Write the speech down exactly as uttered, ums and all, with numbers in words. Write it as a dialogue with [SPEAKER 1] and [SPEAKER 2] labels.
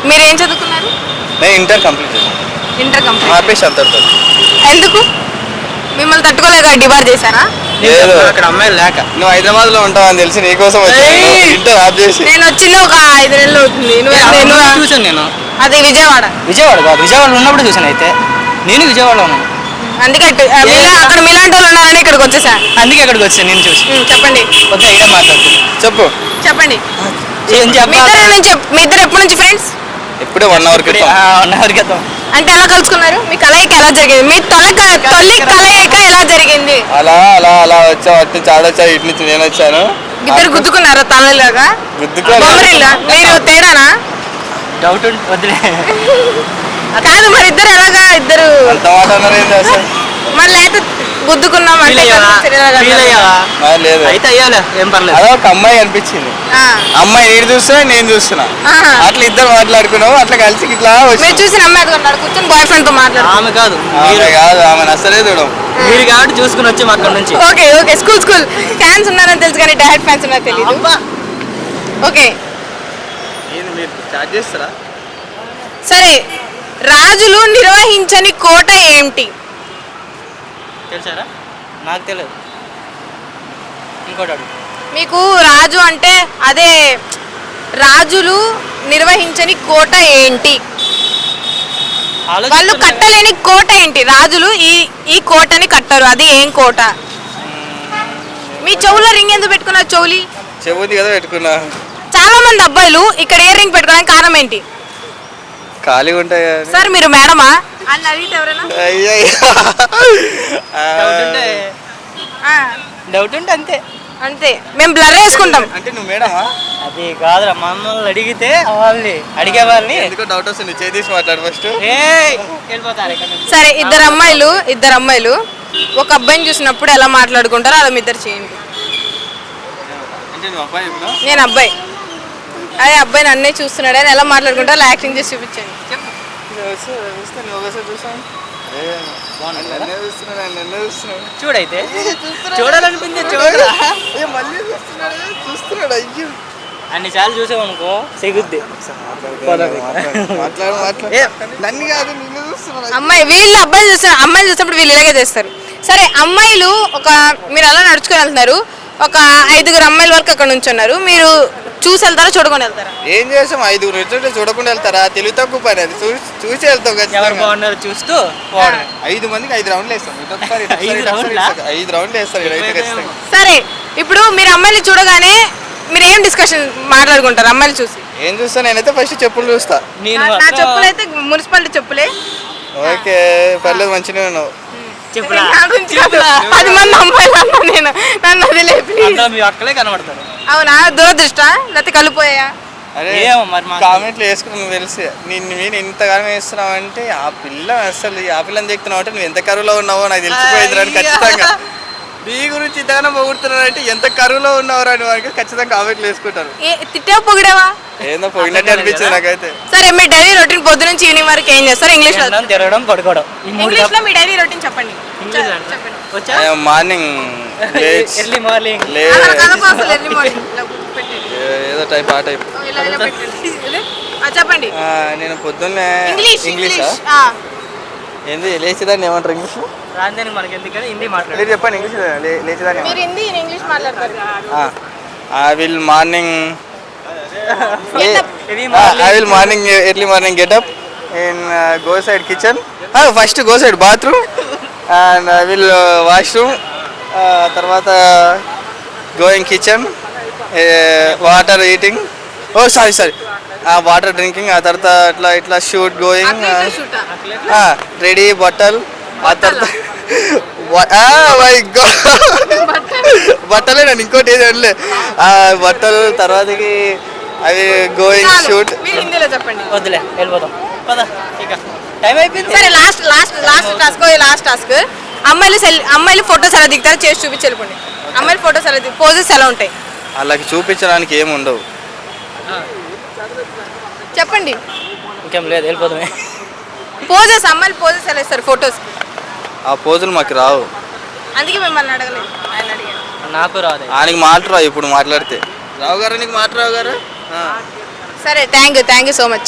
[SPEAKER 1] మీరు ఏం చదువుకున్నారు?
[SPEAKER 2] నేను ఇంటర్ కంప్లీట్ చేశాను.
[SPEAKER 1] Inter complete.
[SPEAKER 2] ఆపేసి అంతటితో.
[SPEAKER 1] ఎందుకు మిమ్మల్ని తట్టుకోలేక డిబార్ చేశారా?
[SPEAKER 2] లేదు,
[SPEAKER 3] అక్కడ అమ్మాయిలు లేక.
[SPEAKER 2] నువ్వు హైదరాబాద్ లో ఉంటావు అని తెలిసి నీకోసం వచ్చాను. ఇంటర్ ఆప్ చేసి.
[SPEAKER 1] నేను వచ్చింది ఒక ఐదు నెలలు అవుతుంది. నువ్వు నేను
[SPEAKER 3] చూసాను నేను.
[SPEAKER 1] అది విజయవాడ.
[SPEAKER 3] విజయవాడ కాదు, విజయవాడలో ఉన్నప్పుడు చూసాను. అయితే నేను విజయవాడలో ఉన్నాను.
[SPEAKER 1] అందుకే అటు- ఆ, మీలా- అక్కడ మీలాంటి వాళ్ళు ఉన్నారని ఇక్కడికి వచ్చేసా.
[SPEAKER 3] అందుకే అక్కడికి వచ్చాను నేను చూసి.
[SPEAKER 1] ఉమ్, చెప్పండి
[SPEAKER 3] వద్దా ఇదే మాట్లాడుతుంది.
[SPEAKER 2] చెప్పు.
[SPEAKER 1] చెప్పండి.
[SPEAKER 3] ఏం
[SPEAKER 1] మీ
[SPEAKER 3] చెప్పాలి?
[SPEAKER 1] ఇద్దరు నుంచి మీ ఇద్దరు ఎప్పటి నుంచి ఫ్రెండ్స్?
[SPEAKER 2] ఇప్పుడే వన్ అవర్ క్రితం.
[SPEAKER 3] వన్ అవర్ క్రితం.
[SPEAKER 1] అంటే ఎలా కలుసుకున్నారు? మీ కలయిక ఎలా జరిగింది? మీ తొలక తొలి కలయిక ఎలా జరిగింది?
[SPEAKER 2] అలా అలా అలా వచ్చావు. అటు నుంచి ఆడొచ్చా, ఇటు నుంచి నేను వచ్చాను.
[SPEAKER 1] ఇద్దరు గుద్దుకున్నారా తలలాగా?
[SPEAKER 2] గుద్దుకోలేదు.
[SPEAKER 1] బొమ్మరిల్లా? మీరు తేడానా?
[SPEAKER 3] డౌట్ ఉంటే వద్దులే.
[SPEAKER 1] కాదు మరి ఇద్దరు ఎలాగా ఇద్దరు
[SPEAKER 2] అంత మాట అన్నారు ఏంటి అసలు?
[SPEAKER 1] మళ్ళీ అయితే గుద్దుకున్నాం
[SPEAKER 3] ఫీల్
[SPEAKER 1] అంటే
[SPEAKER 3] అయ్యావా?
[SPEAKER 1] ఎలాగా?
[SPEAKER 3] ఫీల్ అయ్యావా?
[SPEAKER 2] ఆ, లేదు.
[SPEAKER 3] అయితే అయ్యాలే, ఏం పర్లేదు.
[SPEAKER 2] అదే ఒక అమ్మాయి అనిపించింది.
[SPEAKER 1] ఆ,
[SPEAKER 2] అమ్మాయి నేను చూస్తున్నా, నేను చూస్తున్నా.
[SPEAKER 1] ఆహా.
[SPEAKER 2] అట్లా ఇద్దరు మాట్లాడుకున్నావు. అట్లా కలిసి ఇట్లా
[SPEAKER 1] మీరు
[SPEAKER 2] వచ్చి
[SPEAKER 1] చూసి నమ్మేది ఉన్నాడు కూర్చొని బాయ్ ఫ్రెండ్ తో మాట్లాడు.
[SPEAKER 3] ఆమె కాదు,
[SPEAKER 2] ఆమె
[SPEAKER 3] మీరు
[SPEAKER 2] కాదు, ఆమె అసలే చూడం.
[SPEAKER 3] మీరు కాబట్టి చూసుకుని వచ్చాము అక్కడ నుంచి.
[SPEAKER 1] Okay okay school school fans ఉన్నారని తెలుసు కానీ డైరెక్ట్ ఫ్యాన్స్ ఉన్నారో తెలియదు.
[SPEAKER 3] అబ్బా.
[SPEAKER 1] ఓకే
[SPEAKER 2] ఏంది మీరు చార్జ్ చేస్తారా?
[SPEAKER 1] సరే, రాజులు నిర్వహించని కోట ఏమిటి?
[SPEAKER 3] తెలుసారా? నాకు తెలియదు. ఇంకోటి అడుగు.
[SPEAKER 1] మీకు రాజు అంటే అదే రాజులు నిర్వహించని కోట ఏంటి? వాళ్ళు
[SPEAKER 3] ఆలోచిస్తున్నా.
[SPEAKER 1] కట్టలేని కోట ఏంటి? రాజులు ఈ ఈ కోటని కట్టరు, అది ఏం కోట? మీ చెవులో రింగ్ ఎందుకు పెట్టుకున్నారు? చెవులి
[SPEAKER 2] చెబుద్ది కదా పెట్టుకున్నా.
[SPEAKER 1] చాలా మంది అబ్బాయిలు ఇక్కడ ఇయర్ రింగ్ పెట్టుకోవడానికి కారణం ఏంటి?
[SPEAKER 2] ఖాళీగా ఉంటాయి కదా.
[SPEAKER 1] సార్ మీరు మేడమా అని అడిగితే ఎవరైనా
[SPEAKER 2] అయ్యయ్య.
[SPEAKER 3] డౌట్ ఉంటే
[SPEAKER 1] ఆ,
[SPEAKER 3] డౌట్ ఉంటే అంతే.
[SPEAKER 1] అంతే, మేము బ్లర్ వేసుకుంటాం.
[SPEAKER 2] అంటే నువ్వు మేడమా?
[SPEAKER 3] అది కాదురా, మమ్మల్ని అడిగితే వాళ్ళని అడిగే వాళ్ళని
[SPEAKER 2] ఎందుకో డౌట్ వస్తుంది. చేసి మాట్లాడు ఫస్ట్.
[SPEAKER 3] ఏయ్, వెళ్ళిపోతారు ఇక్కడ నుంచి.
[SPEAKER 1] సరే, ఇద్దరు అమ్మాయిలు ఇద్దరు అమ్మాయిలు ఒక అబ్బాయిని చూసినప్పుడు ఎలా మాట్లాడుకుంటారో అలా మీ ఇద్దరు చేయండి.
[SPEAKER 2] అంటే నువ్వు అబ్బాయి ఇప్పుడు?
[SPEAKER 1] నేను అబ్బాయి, అదే అబ్బాయి నన్నే చూస్తున్నాడు అని ఎలా మాట్లాడుకుంటారో అలా యాక్టింగ్ చేసి చూపించండి.
[SPEAKER 2] నువ్వు ఒకసారి చూసాను. నన్నే చూస్తున్నాడు, ఆయన నన్నే చూస్తున్నాడు.
[SPEAKER 3] చూడైతే చూడాలనిపించే చూడరా.
[SPEAKER 2] ఏ మళ్ళీ చూస్తున్నాడు, చూస్తున్నాడు. అయ్యో
[SPEAKER 3] అన్ని సార్లు చూసామనుకో సిగుద్ది.
[SPEAKER 2] మాట్లాడు మాట్లాడు. నన్ను కాదు, నిన్ను చూస్తున్నాడు.
[SPEAKER 1] అమ్మాయి వీళ్ళు అబ్బాయిలు చూస్తున్నారు, అమ్మాయిలు చూసినప్పుడు వీళ్ళు ఇలాగే చేస్తారు. సరే, అమ్మాయిలు ఒక మీరు అలా నడుచుకొని వెళ్తున్నారు, ఒక ఐదుగురు అమ్మాయిల వరకు అక్కడ నుంచి ఉన్నారు, మీరు చూసి వెళ్తారా చూడకుండా వెళ్తారా?
[SPEAKER 2] ఏం చేసాం? ఐదుగురు ఎట్లంటే చూడకుండా వెళ్తారా? తెలివి తక్కువ పని అది. చూసి చూసి వెళ్తాం
[SPEAKER 3] ఎవరు
[SPEAKER 2] ఖచ్చితంగా.
[SPEAKER 3] బాగున్నారు చూస్తూ పోవడమే.
[SPEAKER 2] ఐదు మందికి ఐదు రౌండ్లు వేస్తాం. ఇటు ఒకసారి, ఇటు ఒకసారి,
[SPEAKER 3] ఐదు
[SPEAKER 2] ఇటు ఒకసారి,
[SPEAKER 3] రౌండ్లా?
[SPEAKER 2] ఇటు ఒకసారి. ఐదు రౌండ్లు వేస్తారు ఇదైతే ఖచ్చితంగా.
[SPEAKER 1] సరే, ఇప్పుడు మీరు అమ్మాయిలు చూడగానే మీరు ఏం డిస్కషన్ మాట్లాడుకుంటారు? అమ్మాయిలు చూసి
[SPEAKER 2] ఏం చూస్తా? నేనైతే ఫస్ట్ చెప్పులు చూస్తా.
[SPEAKER 3] నేను
[SPEAKER 1] నా- నా
[SPEAKER 3] మాత్రం
[SPEAKER 1] చెప్పులు అయితే మున్సిపాలిటీ చెప్పులే.
[SPEAKER 2] ఓకే, పర్లేదు, మంచిగా ఉన్నావు.
[SPEAKER 3] చెప్పులా?
[SPEAKER 1] నా గురించి కాదు, పది మంది అమ్మాయిలు అన్నా నేను, నన్ను వదిలే ప్లీజ్.
[SPEAKER 3] అందులో మీ అక్కలే కనబడతారు.
[SPEAKER 1] అవునా? దురదృష్ట లేకపోతే కలిపోయా?
[SPEAKER 2] అరే
[SPEAKER 3] ఏమో మరి మాకు
[SPEAKER 2] కామెంట్లు వేసుకుని నువ్వు తెలిసి నిన్ను మీరు ఇంతగానో వేస్తున్నావు అంటే ఆ పిల్ల అసలు ఆ పిల్లని చెప్తున్నావు అంటే నువ్వు ఎంత కరువులో ఉన్నావో నాకు తెలిసిపోయింది రాని ఖచ్చితంగా. నీ గురించి ఇంతగానో పొగుడుతున్నావు అంటే ఎంత కరువులో ఉన్నావు రాని వారికి ఖచ్చితంగా కామెంట్లు వేసుకుంటారు.
[SPEAKER 1] ఏ తిట్టావు పొగిడావా?
[SPEAKER 2] ఏందో పోయినట్టు అనిపించింది నాకైతే.
[SPEAKER 1] సరే, మీ డైలీ రొటీన్ పొద్దు నుంచి ఈవినింగ్ వరకు ఏం చేస్తారు? ఇంగ్లీష్ లో
[SPEAKER 3] తినడం, తిరగడం, పడుకోవడం. ఈ మూడు
[SPEAKER 1] ఇంగ్లీష్ లో మీ డైలీ రొటీన్ చెప్పండి.
[SPEAKER 3] ఇంగ్లీష్
[SPEAKER 1] చె-
[SPEAKER 3] అంటే?
[SPEAKER 1] చెప్పండి.
[SPEAKER 3] వచ్చా?
[SPEAKER 2] Morning
[SPEAKER 3] early morning.
[SPEAKER 2] లే
[SPEAKER 1] అలా కలప అసలు early morning. ఇలా పెట్టండి.
[SPEAKER 2] ఏదో టైప్ ఆ టైప్.
[SPEAKER 1] ఓ, ఇలా ఇలా పెట్టండి. ఇదే. ఆ, చెప్పండి.
[SPEAKER 2] నేను పొద్దున్నే
[SPEAKER 1] ఇంగ్లీష్
[SPEAKER 2] ఇంగ్లీషా
[SPEAKER 1] ఇంగ్లీష్ ఆ.
[SPEAKER 2] ఏంది లేచిదాన్ని ఏమంటారు ఇంగ్లీష్?
[SPEAKER 3] రాందని మనకి ఎందుకని హిందీ
[SPEAKER 2] మీరు
[SPEAKER 3] మాట్లాడారు.
[SPEAKER 2] చెప్పండి ఇంగ్లీష్. లేచిదాన్ని
[SPEAKER 1] మీరు హిందీ నేను ఇంగ్లీష్ మాట్లాడతారు.
[SPEAKER 2] I will morning
[SPEAKER 1] Get up.
[SPEAKER 3] Early
[SPEAKER 2] I will morning early morning get up in go side kitchen first go side bathroom and I will washroom తర్వాత going kitchen water eating oh sorry sorry water drinking ఆ తర్వాత ఇట్లా ఇట్లా shoot going
[SPEAKER 1] Athletic shoot ఆ?
[SPEAKER 2] Ready బట్టలు ఆ తర్వాత my God బట్టలే నేను ఇంకోటి ఏది అనలే బట్టలు తర్వాతకి అవి గోయింగ్
[SPEAKER 1] చాలు.
[SPEAKER 2] షూట్.
[SPEAKER 1] మీరు హిందీలో చెప్పండి.
[SPEAKER 3] వద్దులే, వెళ్ళిపోతాం పద. ఇక టైం అయిపోయింది.
[SPEAKER 1] సరే, last last last task last task అమ్మాయిలు సెల్ అమ్మాయిలు ఫోటోస్ ఎలా దిగుతారో చేసి చూపించి వెళ్ళిపోండి. అమ్మాయిలు ఫోటోస్ ఎలా దిగు పోజెస్ ఎలా ఉంటాయి
[SPEAKER 2] వాళ్ళకి చూపించడానికి ఏమి ఉండవు.
[SPEAKER 1] చెప్పండి.
[SPEAKER 3] ఇంకేం లేదు, వెళ్ళిపోతామే.
[SPEAKER 1] పోజెస్ అమ్మాయిలు పోజెస్ ఎలా ఇస్తారు ఫోటోస్?
[SPEAKER 2] ఆ పోజులు మాకు రావు.
[SPEAKER 1] అందుకే మిమ్మల్ని అడగలేదు, ఆయన అడిగాను.
[SPEAKER 3] నాకు రాదు.
[SPEAKER 2] ఆయనకి మాట రావు ఇప్పుడు మాట్లాడితే. రావు గారు నీకు మాట రావు గారు.
[SPEAKER 1] సరే, thank you thank you so much.